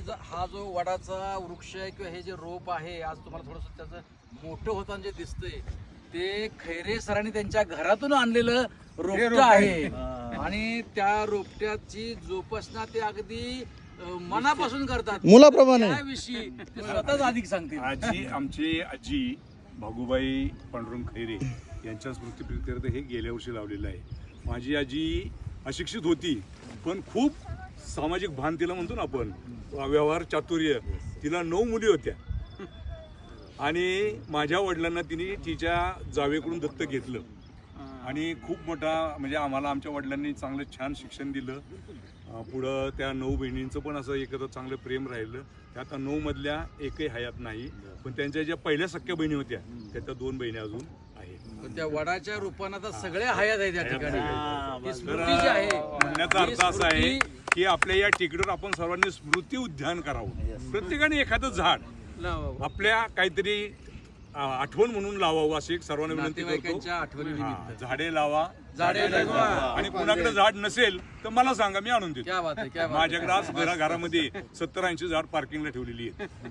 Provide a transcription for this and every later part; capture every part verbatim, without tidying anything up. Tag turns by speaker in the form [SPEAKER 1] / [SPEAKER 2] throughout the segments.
[SPEAKER 1] ज- हा जो वडाचा वृक्ष आहे किंवा हे जे रोप आहे आज तुम्हाला थोडंसं त्याचं मोठं होताना जे दिसतंय ते खैरे सरांनी त्यांच्या घरातून आणलेलं रोपट आहे आणि त्या रोपट्याची जोपासना ते अगदी अं, मनापासून करतात
[SPEAKER 2] मुलाप्रमाणे.
[SPEAKER 1] त्याविषयी ते स्वतःच अधिक सांगतील.
[SPEAKER 3] आजी आमची आजी भागूबाई पांडुरंग खैरे यांच्या स्मृतीप्रित्यर्थ हे गेल्या वर्षी लावलेलं आहे. माझी आजी अशिक्षित होती पण खूप सामाजिक भान तिला म्हणतो ना आपण, व्यवहार चातुर्य. तिला नऊ मुली होत्या आणि माझ्या वडिलांना तिने तिच्या जावेकडून दत्तक घेतलं आणि खूप मोठा म्हणजे आम्हाला आमच्या वडिलांनी चांगलं छान शिक्षण दिलं. पुढं त्या नऊ बहिणींचं पण असं एकत्र चांगलं प्रेम राहिलं. त्या आता नऊ मधल्या एकही हयात नाही, पण त्यांच्या ज्या पहिल्या सख्या बहिणी होत्या त्याच्या दोन बहिणी अजून आहेत.
[SPEAKER 1] त्या वडाच्या रूपानं आता सगळ्या हयात आहेत या ठिकाणी. ती
[SPEAKER 3] तर
[SPEAKER 1] स्मृती जी आहे
[SPEAKER 3] म्हणण्याचा अर्थ असा आहे की आपल्या या टेकडीवर आपण सर्वांनी स्मृती उद्यान करावं. प्रत्येकाने एखादं झाड आपल्या काहीतरी आठवण म्हणून लावावं अशी एक सर्वांना विनंती करतो.
[SPEAKER 1] नातेवाईकांच्या आठवणीनिमित्त
[SPEAKER 3] झाडे लावा,
[SPEAKER 1] झाडे जगवा.
[SPEAKER 3] आणि कुणाकडे झाड नसेल तर मला सांगा, मी आणून देतो.
[SPEAKER 1] क्या बात आहे, क्या बात आहे.
[SPEAKER 3] माझ्याकडे आज घरा घरामध्ये सत्तर ऐंशी झाड पार्किंगला ठेवलेली आहेत.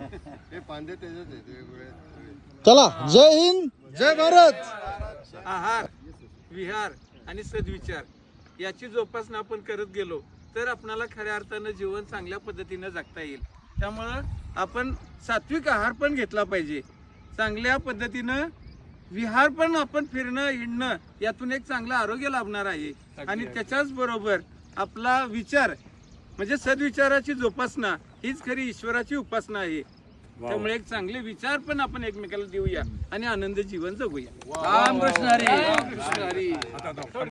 [SPEAKER 2] चला, जय हिंद, जय भारत.
[SPEAKER 4] आहार, विहार आणि सद्विचार याची जोपासना आपण करत गेलो तर आपणाला खऱ्या अर्थानं जीवन चांगल्या पद्धतीनं जगता येईल. त्यामुळं आपण सात्विक आहार पण घेतला पाहिजे. चांगल्या पद्धतीनं विहार पण आपण फिरणं हिंडणं यातून एक चांगलं आरोग्य लाभणार आहे. आणि त्याच्याच बरोबर आपला विचार म्हणजे सद्विचाराची जोपासना हीच खरी ईश्वराची उपासना आहे. त्यामुळे एक चांगले विचार पण आपण एकमेकाला देऊया आणि आनंद जीवन जगूया.
[SPEAKER 1] राम कृष्ण हरी. राम कृष्ण हरी.